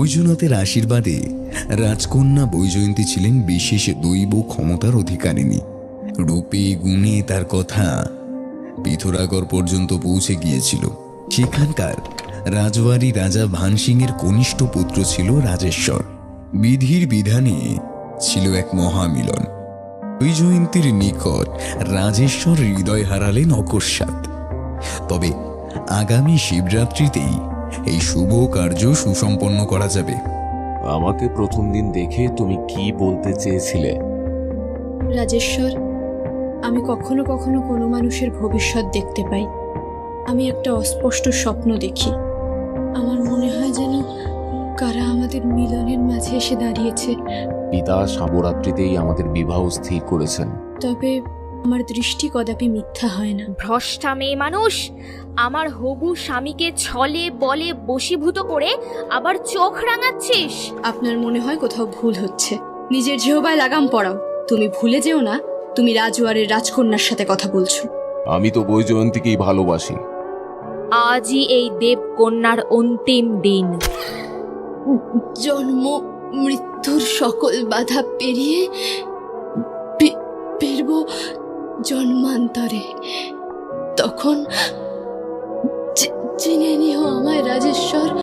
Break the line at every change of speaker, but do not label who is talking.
বৈজনাথের আশীর্বাদে রাজকন্যা বৈজয়ন্তী ছিলেন বিশেষ দৈব ক্ষমতার অধিকারিণী। রূপে গুণে তার কথা পিথোরাগড় পর্যন্ত পৌঁছে গিয়েছিল। সেখানকার রাজবাড়ি রাজা ভানসিংয়ের কনিষ্ঠ পুত্র ছিল রাজেশ্বর। বিধির বিধানে ছিল এক মহামিলন। বৈজয়ন্তীর নিকট রাজেশ্বর হৃদয় হারালেন অকস্মাৎ। তবে আগামী শিবরাত্রিতেই এই শুভ কার্য সুসম্পন্ন করা যাবে।
আমাকে প্রথম দিন দেখে তুমি কি বলতে চেয়েছিলে?
রাজেশ্বর, আমি কখনো কখনো কোনো মানুষের ভবিষ্যৎ দেখতে পাই। আমি একটা অস্পষ্ট স্বপ্ন দেখি। আমার মনে হয় যেন কারা আমাদের মিলনের মাঝে এসে দাঁড়িয়েছে।
পিতা শিবরাত্রিতেই আমাদের বিবাহ স্থির করেছেন।
তবে আমার দৃষ্টি কদাপি মিথ্যা হয় না।
ভ্রষ্টা মেয়ে মানুষ, আমার হবু স্বামীকে ছলে বলে বশীভূত করে আবার চোখ রাঙাচ্ছিস।
আপনার মনে হয় কোথাও ভুল হচ্ছে। নিজের জিহ্বায় লাগাম পড়াও। তুমি ভুলে যেও না তুমি রাজওয়ারের রাজকন্যার সাথে কথা বলছো।
আমি তো বৈজয়ন্তীকেই ভালোবাসি।
আজই এই দেবকন্যার অন্তিম দিন।
জন্ম মৃত্যুর সকল বাধা পেরিয়ে ফিরব জন্মান্তরে। তখন চিনে নিও আমায় রাজেশ্বর।